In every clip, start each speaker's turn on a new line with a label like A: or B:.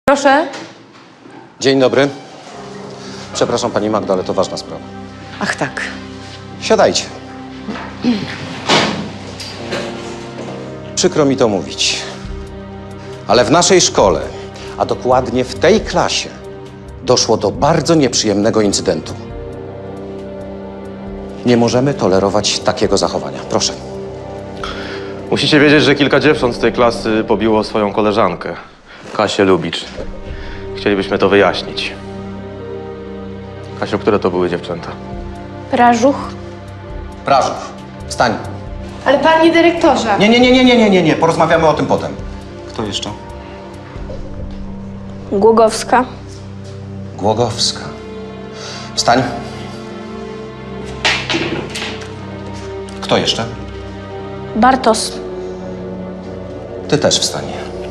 A: Proszę.
B: Dzień dobry. Przepraszam, pani Magdo, ale to ważna sprawa.
A: Ach tak.
B: Siadajcie. Przykro mi to mówić, ale w naszej szkole, a dokładnie w tej klasie, doszło do bardzo nieprzyjemnego incydentu. Nie możemy tolerować takiego zachowania. Proszę.
C: Musicie wiedzieć, że kilka dziewcząt z tej klasy pobiło swoją koleżankę, Kasię Lubicz. Chcielibyśmy to wyjaśnić. Kasiu, które to były dziewczęta?
D: Prażuch.
B: Prażów, wstań.
D: Ale panie dyrektorze.
B: Nie. Porozmawiamy o tym potem. Kto jeszcze?
D: Głogowska.
B: Głogowska. Wstań. Kto jeszcze?
D: Bartos.
B: Ty też wstań.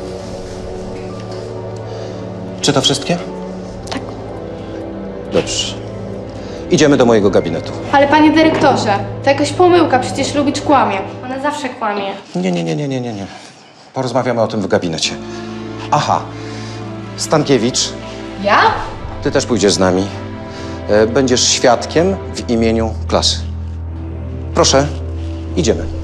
B: Czy to wszystkie?
D: Tak.
B: Dobrze. Idziemy do mojego gabinetu.
E: Ale panie dyrektorze, to jakaś pomyłka, przecież Lubicz kłamie. Ona zawsze kłamie.
B: Nie. Porozmawiamy o tym w gabinecie. Aha. Stankiewicz,
E: Ja?
B: ty też pójdziesz z nami. Będziesz świadkiem w imieniu klasy. Proszę, idziemy.